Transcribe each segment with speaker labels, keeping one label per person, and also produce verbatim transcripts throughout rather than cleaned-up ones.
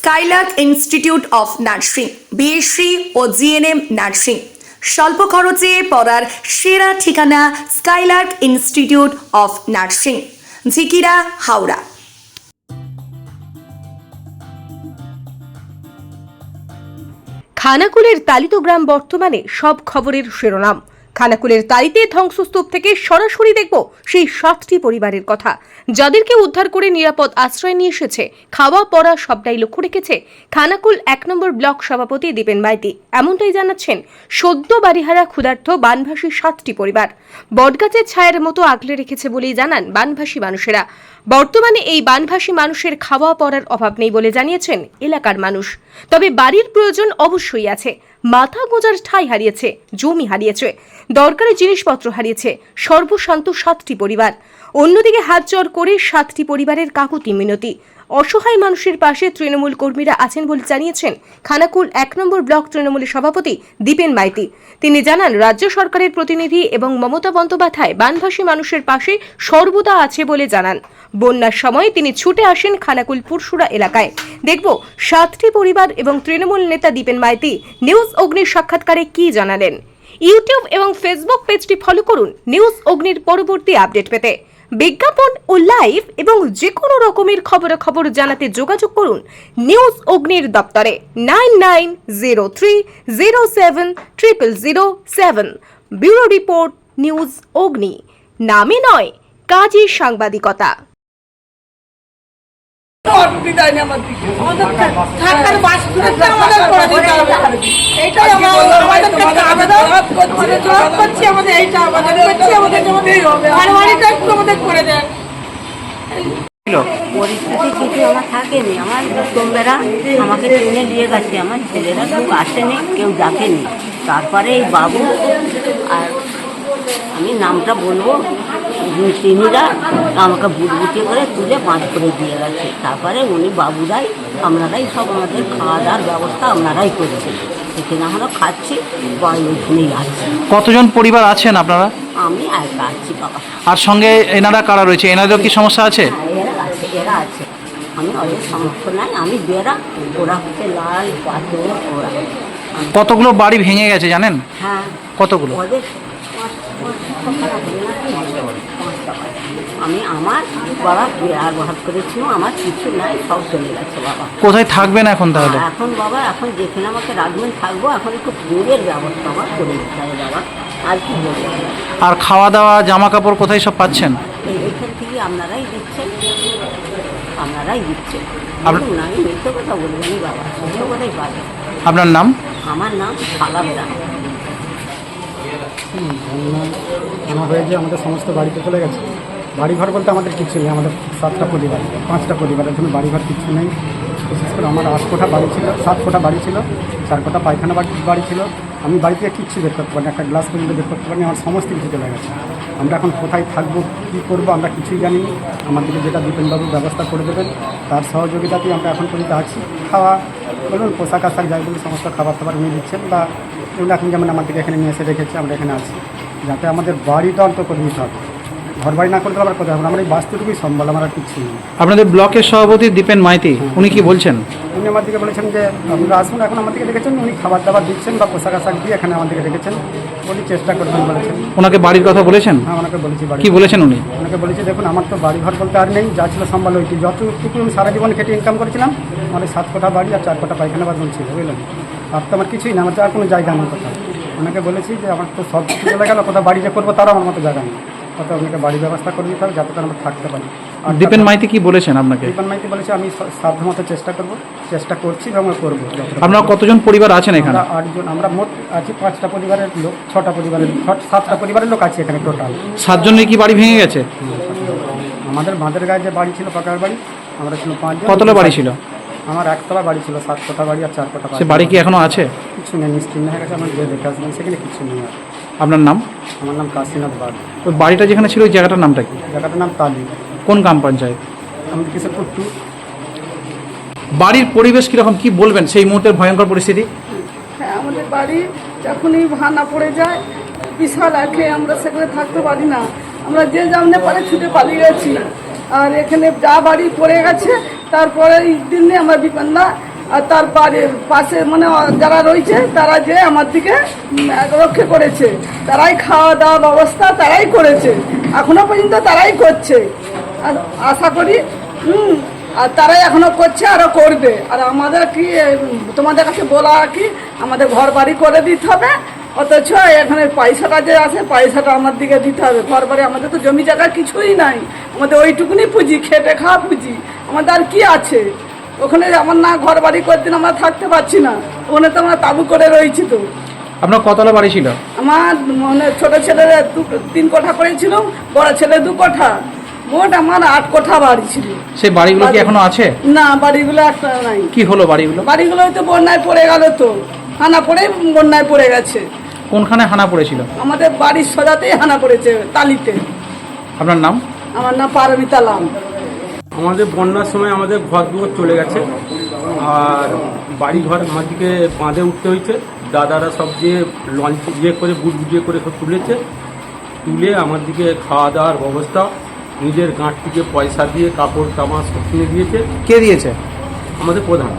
Speaker 1: Skylark Institute of Nursing, BSc ও GNM nursing. স্বল্প খরচে পড়ার সেরা ঠিকানা Skylark Institute of Nursing, Jhikira, Howrah.
Speaker 2: খানাকুলের তালিত গ্রাম বর্তমানে সব খবরের শিরোনাম। খানাকুলের তালিতে ধ্বংসস্তূপ থেকে সরাসরি দেখব সেই সাতটি পরিবারের কথা, যাদেরকে উদ্ধার করে নিরাপদ আশ্রয় নিয়ে এসেছে। খাওয়া পড়া সবটাই লক্ষ্য রেখেছে খানাকুল এক নম্বর ব্লক সভাপতি দীপেন মাইতি। এমনটাই জানাচ্ছেন সদ্য বাড়িহারা ক্ষুধার্ত বানভাসী সাতটি পরিবার। বটগাছের ছায়ার মতো আগলে রেখেছে বলেই জানান বানভাসী মানুষেরা। বর্তমানে এই বানভাসী মানুষের খাওয়া পড়ার অভাব নেই বলে জানিয়েছেন এলাকার মানুষ। তবে বাড়ির প্রয়োজন অবশ্যই আছে। মাথা গোঁজার ঠাঁই হারিয়েছে, জমি হারিয়েছে, দরকারি জিনিসপত্র হারিয়েছে সর্বশান্ত সাতটি পরিবার। অন্যদিকে হাত জোড় করে সাতটি পরিবারের কাকুতি মিনতি। অসহায় মানুষের পাশে তৃণমূল কর্মীরা আছেন বলে জানিয়েছেন খানাকুল এক নম্বর ব্লক তৃণমূলের সভাপতি দীপেন মাইতি। তিনি জানান, রাজ্য সরকারের প্রতিনিধি এবং মমতা বন্দ্যোপাধ্যায় বানভাসী মানুষের পাশে সর্বদা আছে বলে জানান। বন্যার সময় তিনি ছুটে আসেন খানাকুল পুরসুরা এলাকায়। দেখব সাতটি পরিবার এবং তৃণমূল নেতা দীপেন মাইতি নিউজ অগ্নির সাক্ষাৎকারে কি জানালেন। ইউটিউব এবং ফেসবুক পেজটি ফলো করুন নিউজ অগ্নির পরবর্তী আপডেট পেতে। বিজ্ঞাপন ও লাইভ এবং যে কোনো রকমের খবরাখবর জানাতে যোগাযোগ করুন নিউজ অগ্নির দপ্তরে nine nine zero three zero seven triple zero seven. Bureau report, news Agni. নামে নয়, কাজে সাংবাদিকতা।
Speaker 3: পরিস্থিতি কিছু আমার থাকেনি। আমার তোমরা আমাকে টেনে নিয়ে গেছে, আমার ছেলেরা কেউ আসেনি, কেউ ডাকেনি। তারপরে এই বাবু আর আমি নামটা বলবো, তিনিরা আমাকে বুটবুটি করে তুলে পাঁচ করে দিয়ে গেছে। তারপরে উনি বাবুরাই আপনারাই সব আমাদের খাওয়া দাওয়ার ব্যবস্থা আপনারাই করেছেন। এখানে আমরা খাচ্ছি বা ওইখানেই আছি।
Speaker 4: কতজন পরিবার আছেন আপনারা?
Speaker 3: আমি একা আছি বাবা।
Speaker 4: আর সঙ্গে এনারা কারা রয়েছে? এনাদের কি সমস্যা আছে?
Speaker 3: এরা আছে, এরা আছে। আমি ওদের সমস্যা নাই, আমি বেড়া, ওরা হচ্ছে লাল পাথর। ওরা
Speaker 4: কতগুলো বাড়ি ভেঙে গেছে জানেন?
Speaker 3: হ্যাঁ,
Speaker 4: কতগুলো?
Speaker 3: ওদের আমি আমার বাবা বেড়ার ভাত করেছিল, আমার কিছু নাই, সব চলে গেছে বাবা।
Speaker 4: কোথায় থাকবেন এখন তাহলে?
Speaker 3: এখন বাবা এখন যেখানে আমাকে রাখবেন থাকবো। এখন একটু দূরের ব্যবস্থা আমার করে দিতে হবে বাবা, আর কি বলবো।
Speaker 4: আর খাওয়া দাওয়া, জামা কাপড় কোথায় সব পাচ্ছেন?
Speaker 3: এইখান থেকে আপনারাই দিচ্ছেন, আপনারাই দিচ্ছেন।
Speaker 4: আপনার-
Speaker 3: আমি মিথ্যে কথা বলবেন বাবা, সত্য কথাই পাবেন।
Speaker 4: আপনার নাম?
Speaker 3: আমার নাম সালামদা।
Speaker 5: আমার হয়ে যে আমাদের সমস্ত বাড়িতে চলে গেছে। বাড়িঘর বলতে আমাদের কিছু নেই। আমাদের সাতটা পরিবার, পাঁচটা পরিবারের জন্য বাড়িঘর কিছু নেই। বিশেষ করে আমার আট কোঠা বাড়ি ছিল, সাত কোঠা বাড়ি ছিল, চার কোঠা পায়খানা বাড়ি বাড়ি ছিল। আমি বাড়ি থেকে কিচ্ছু বের করতে পারিনি, একটা গ্লাস পর্যন্ত বের করতে পারিনি। আমার সমস্ত কিছু চলে গেছে। আমরা এখন কোথায় থাকবো, কী করবো, আমরা কিছুই জানি না। আমাদেরকে যেটা দীপেনবাবু ব্যবস্থা করে দেবেন তার সহযোগিতাতেই আমরা এখন পর্যন্ত আছি। খাওয়া বলুন, পোশাক আশাক যাই বলুন, সমস্ত খাবার টাবার নিয়ে দিচ্ছেন বা এগুলো এখন যেমন আমাদেরকে এখানে নিয়ে এসে রেখেছে, আমরা এখানে আছি। যাতে আমাদের বাড়িটা অন্তত করে নিতে হবে। ঘর বাড়ি না করতে আবার কোথায় হবে, আমরা এই বাস্তুটুকুই সম্বল, আমার আর কিচ্ছু নেই।
Speaker 4: আপনাদের ব্লকের সভাপতি দীপেন মাইতি, উনি কি বলছেন?
Speaker 5: উনি আমার দিকে বলেছেন যে আপনারা আসুন, এখন আমাদেরকে রেখেছেন। উনি খাবার দাবার দিচ্ছেন বা পোশাক আশাক দিয়ে এখানে আমাদেরকে রেখেছেন। উনি চেষ্টা করবেন বলেছেন।
Speaker 4: ওনাকে বাড়ির কথা বলেছেন?
Speaker 5: হ্যাঁ, ওনাকে বলেছি বাড়ি।
Speaker 4: কি বলেছেন উনি?
Speaker 5: ওনাকে বলেছি, দেখুন আমার তো বাড়ি ঘর বলতে আর নেই, যা ছিল সম্বল ওইটি। যতটুকু আমি সারা জীবন খেটে ইনকাম করেছিলাম, আমার সাত কোঠা বাড়ি আর চার কোঠা পায়খানা বাথরুম ছিল, বুঝলেন। আর তো আমার কিছুই না, আমার তো আর কোনো জায়গা নেই কোথাও। ওনাকে বলেছি যে আমার তো সব কিছু চলে গেল, কোথাও বাড়ি যে করবো তারও আমার মতো জায়গা নেই। কোথাও আপনাকে বাড়ির ব্যবস্থা করে দিতে হবে যাতে আমরা থাকতে পারি। আর
Speaker 4: দীপেন মাইতি কি বলেছেন আপনাকে?
Speaker 5: দীপেন মাইতি বলেছে আমি সাধ্যমতো চেষ্টা করবো, চেষ্টা করছি এবং করবো।
Speaker 4: আপনারা কতজন পরিবার আছেন এখানে?
Speaker 5: আমরা আটজন, আমরা মোট আছি পাঁচটা পরিবারের লোক, ছটা পরিবারের, সাতটা পরিবারের লোক আছে এখানে টোটাল।
Speaker 4: সাতজনের কি বাড়ি ভেঙে গেছে?
Speaker 5: আমাদের বাঁধের গায়ে যে বাড়ি ছিল, পাকার বাড়ি, আমরা ছিল পাঁচজন।
Speaker 4: কতটা বাড়ি ছিল?
Speaker 5: আমার একতলা বাড়ি ছিল, সাত কোঠা বাড়ি আর চার কোঠা
Speaker 4: সে বাড়ি কি এখনো আছে?
Speaker 5: কিছু নেই, নিশ্চিন্ন হয়ে গেছে। আমার যে দেখে আসবেন সেখানে কিছু নেই। আর
Speaker 4: আপনার নাম?
Speaker 5: আমার নাম কাশীনাথ বাগ।
Speaker 4: ওই বাড়িটা যেখানে ছিল ওই জায়গাটার নামটা কি?
Speaker 5: জায়গাটার নাম তালি।
Speaker 4: কোন গ্রাম পঞ্চায়েত?
Speaker 5: আমি কিশোরপুর টু।
Speaker 4: বাড়ির পরিবেশ কিরকম, কি বলবেন সেই মুহূর্তের ভয়ঙ্কর পরিস্থিতি?
Speaker 6: হ্যাঁ, আমাদের বাড়ি যখনই ভাঙা পড়ে যায় বিশাল আঁকে, আমরা সেখানে থাকতে পারি না। আমরা যে জানতে পারে ছুটে পালিয়ে গেছি। আর এখানে যা বাড়ি পড়ে গেছে তারপরে দিনে আমরা বিপন্না আর তার বাড়ির পাশে মানে যারা রয়েছে তারা যে আমার দিকে উম, রক্ষা করেছে, তারাই খাওয়া দাওয়া ব্যবস্থা তারাই করেছে, এখনো পর্যন্ত তারাই করছে। আর আশা করি হুম আর তারাই এখনো করছে, আরো করবে। আর আমাদের কি উম, তোমাদের কাছে বলা কি আমাদের ঘর বাড়ি করে দিতে হবে, অথচ এখানে পয়সাটা যে আছে পয়সাটা আমার দিকে দিতে হবে। ঘর বাড়ি আমাদের তো জমি জায়গা কিছুই নাই, আমাদের ওইটুকুনি পুঁজি, খেটে খাওয়া পুঁজি, আমাদের আর কি আছে? ওখানে আমার না ঘর বাড়ি করতে আমরা থাকতে পারছি না, ওখানে তো আমরা তাবু করে রয়েছি। তো
Speaker 4: আপনার কতলা বাড়ি ছিল?
Speaker 6: আমার মানে ছোট ছেলের দু তিন কোঠা করেছিল, বড় ছেলে দু কোঠা, মোট আমার আট কোঠা বাড়ি ছিল।
Speaker 4: সেই বাড়িগুলো কি এখনো আছে?
Speaker 6: না, বাড়িগুলো একটা নাই।
Speaker 4: কি হলো বাড়িগুলো?
Speaker 6: বাড়িগুলো তো বন্যায় পড়ে গেল, তো হানা পড়ে বন্যায় পড়ে গেছে।
Speaker 4: কোনখানে হানা পড়েছিল?
Speaker 6: আমাদের বাড়ির সোজাতেই হানা পড়েছে, তালিতে।
Speaker 4: আপনার নাম?
Speaker 6: আমার নাম পারমিতা লাম।
Speaker 7: আমাদের বন্যার সময় আমাদের ঘর দুয়ার চলে গেছে, আর বাড়ি ঘর আমার দিকে বাঁধে উঠতে হয়েছে। দাদারা সব যে লঞ্চ ইয়ে করে বুট বুঝিয়ে করে সব তুলেছে, তুলে আমার দিকে খাওয়া দাওয়ার ব্যবস্থা, নিজের গাঁট থেকে পয়সা দিয়ে কাপড় জামা সব কিনে দিয়েছে।
Speaker 4: কে দিয়েছে?
Speaker 7: আমাদের প্রধান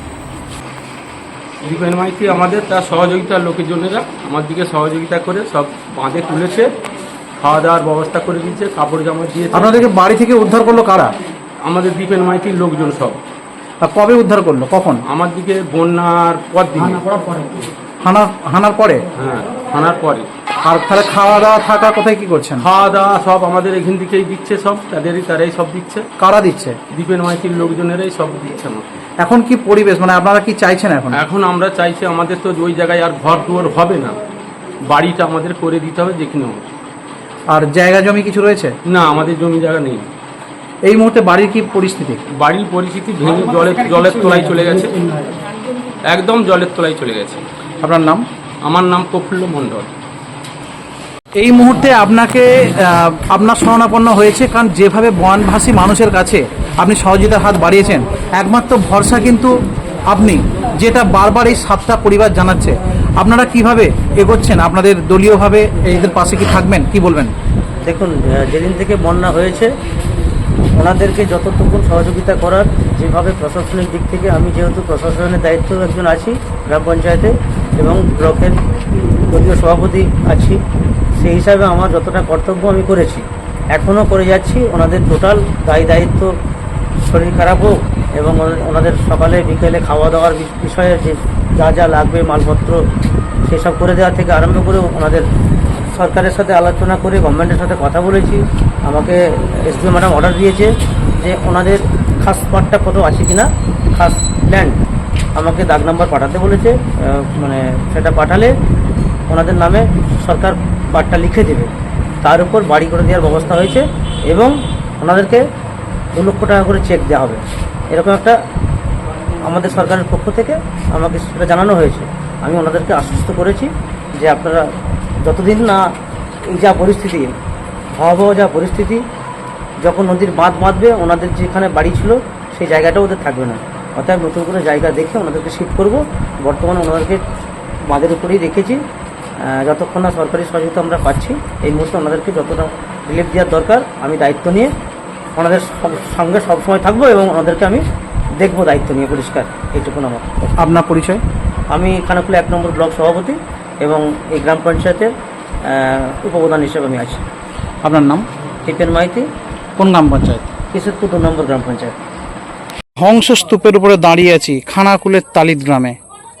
Speaker 7: দীপেন মাইতি আমাদের তার সহযোগিতার লোকজনেরা আমার দিকে সহযোগিতা করে সব বাঁধে তুলেছে, খাওয়া দাওয়ার ব্যবস্থা করে দিয়েছে, কাপড় জামা দিয়েছে।
Speaker 4: আপনাদেরকে বাড়ি থেকে উদ্ধার করলো কারা?
Speaker 7: আমাদের দীপেন মাইতির লোকজন সব।
Speaker 4: আর কবে উদ্ধার করলো, কখন?
Speaker 7: আমার দিকে বন্যার পর দিন,
Speaker 4: হানা হানার পরে?
Speaker 7: হ্যাঁ হানার পরে।
Speaker 4: আর তাহলে খাওয়া দাওয়া থাকা কোথায় কি করছেন?
Speaker 7: খাওয়া দাওয়া সব আমাদের এখান থেকেই দিচ্ছে, সব তাদেরই তারাই সব দিচ্ছে।
Speaker 4: কারা দিচ্ছে?
Speaker 7: দীপেন মাইতির লোকজনেরাই সব দিচ্ছে আমাকে।
Speaker 4: এখন কি পরিবেশ, মানে আপনারা কি চাইছেন এখন?
Speaker 7: এখন আমরা চাইছি আমাদের তো ওই জায়গায় আর ঘর দুয়ার হবে না, বাড়িটা আমাদের করে দিতে হবে যেখানে হোক।
Speaker 4: আর জায়গা জমি কিছু রয়েছে?
Speaker 7: না, আমাদের জমি জায়গা নেই।
Speaker 4: এই মুহূর্তে বাড়ির কি পরিস্থিতি?
Speaker 7: বাড়ির পরিস্থিতি ভেঙে জলের জলের তলায় চলে গেছে, একদম জলের তলায় চলে গেছে।
Speaker 4: আপনার নাম?
Speaker 7: আমার নাম প্রফুল্ল মণ্ডল।
Speaker 4: এই মুহূর্তে আপনাকে আহ, আপনার শরণাপন্ন হয়েছে, কারণ যেভাবে বনভাসী মানুষের কাছে আপনি সহযোগিতার হাত বাড়িয়েছেন, একমাত্র ভরসা কিন্তু আপনি, যেটা বারবার এই সাতটা পরিবার জানাচ্ছে। আপনারা কিভাবে এগোচ্ছেন? আপনাদের দলীয়ভাবে এদের পাশে কি থাকবেন, কি বলবেন?
Speaker 8: দেখুন, আহ, যেদিন থেকে বন্যা হয়েছে ওনাদেরকে যতটুকু সহযোগিতা করার, যেভাবে প্রশাসনিক দিক থেকে, আমি যেহেতু প্রশাসনের দায়িত্ব একজন আছি গ্রাম পঞ্চায়েতে এবং ব্লকের দলীয় সভাপতি আছি, সেই হিসাবে আমার যতটা কর্তব্য আমি করেছি, এখনও করে যাচ্ছি। ওনাদের টোটাল দায়ী দায়িত্ব, শরীর খারাপ হোক এবং ওনাদের সকালে বিকেলে খাওয়া দাওয়ার বি- বিষয়ে যে যা যা লাগবে মালপত্র সেসব করে দেওয়া থেকে আরম্ভ করে ওনাদের সরকারের সাথে আলোচনা করে গভর্নমেন্টের সাথে কথা বলেছি। আমাকে এসডিও ম্যাডাম অর্ডার দিয়েছে যে ওনাদের খাস পার্টটা কত আছে কিনা, খাস ল্যান্ড আমাকে দাগ নাম্বার পাঠাতে বলেছে। আহ, মানে সেটা পাঠালে ওনাদের নামে সরকার পার্টটা লিখে দেবে, তার উপর বাড়ি করে দেওয়ার ব্যবস্থা হয়েছে এবং ওনাদেরকে দু লক্ষ টাকা করে চেক দেওয়া হবে, এরকম একটা আমাদের সরকারের পক্ষ থেকে আমাকে সেটা জানানো হয়েছে। আমি ওনাদেরকে আশ্বস্ত করেছি যে আপনারা যতদিন না এই যা পরিস্থিতি, ভয়াবহ যা পরিস্থিতি, যখন নদীর বাঁধ বাঁধবে ওনাদের যেখানে বাড়ি ছিল সেই জায়গাটা ওদের থাকবে না, অর্থাৎ নতুন করে জায়গা দেখে ওনাদেরকে শিফট করব। বর্তমানে ওনাদেরকে বাঁধের উপরেই রেখেছি, আহ, যতক্ষণ না সরকারি সহযোগিতা আমরা পাচ্ছি। এই মুহূর্তে ওনাদেরকে যতটা রিলিফ দেওয়ার দরকার আমি দায়িত্ব নিয়ে ওনাদের সব- সঙ্গে সবসময় থাকবো এবং ওনাদেরকে আমি দেখবো দায়িত্ব নিয়ে পরিষ্কার, এইটুকুন আমার।
Speaker 4: আপনার পরিচয়?
Speaker 8: আমি খানাকুলা এক নম্বর ব্লক সভাপতি এবং এই গ্রাম পঞ্চায়েতের আহ, উপপ্রধান হিসেবে আমি আছি।
Speaker 4: আপনার নাম?
Speaker 8: দীপেন মাইতি,
Speaker 4: কোন গ্রাম পঞ্চায়েত?
Speaker 8: কিশোরপুর দু নম্বর গ্রাম পঞ্চায়েত।
Speaker 4: ধ্বংস স্তূপের উপরে দাঁড়িয়ে আছি খানাকুলের তালিদ গ্রামে।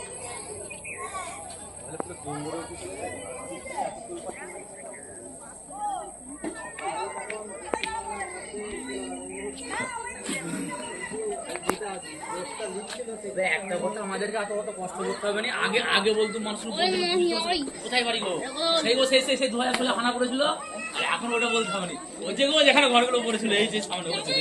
Speaker 9: একটা কথা আমাদেরকে এত কত কষ্ট করতে হবে না। আগে আগে বলতো মানুষ কোথায় বাড়ি গো, সেই গো সেই সেই সেই দু হাজার ষোলো হানা করেছিল, আর এখন ওটা বলতে হবে না। ওই যে গো যেখানে ঘরগুলো পড়েছিল, এই যে সামনে পড়েছিল।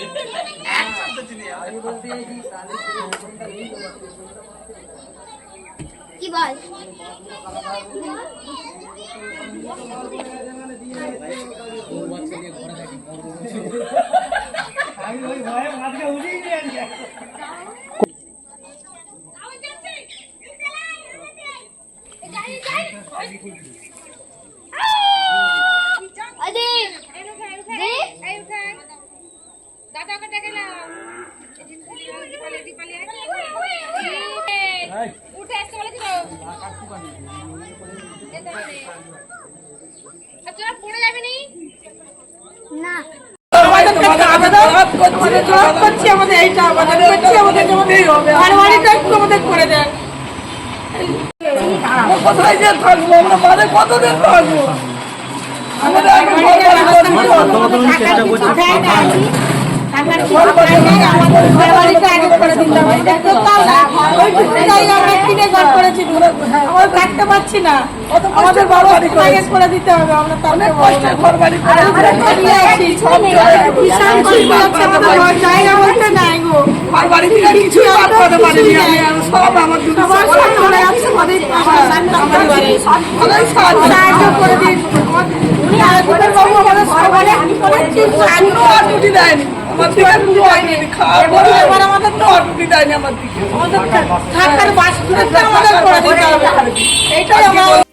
Speaker 10: কি বল দাদা কে ডেকে নাও। তোরা পড়ে যাবি নি না
Speaker 6: আমাদের কাছে আবেদন করছে, জবাব করছি আমাদের এইটা আবেদন করছি, আমাদের জমাতেই হবে। আর বাড়িটা একটু আমাদের করে দেন। কোথায় যে থাকবো আমরা, মানে কতদিন থাকবো? আমাদের আগে ঘর বাড়ি করতে হবে।
Speaker 8: চেষ্টা করছি
Speaker 6: থাকতে পারছি না, আমাদের বাবা করে দিতে হবে। আমরা অনেক কষ্টে ঘর বাড়ি করে আছি, সব জায়গা বলতে নাই গো, ঘর বাড়ি থেকে কিছু করতে পারিনি আমি, সব আমার সাহায্য করে দিন। বাবু আমাদের সবার ছুটি দেয়নি, আমার দিকে পুরো হয়নি, খাওয়া পরে এবার আমাদের তো ছুটি দেয়নি, আমার দিকে আমাদের থাকার বাস আমাদের করে দিতে হবে, এইটাই আমার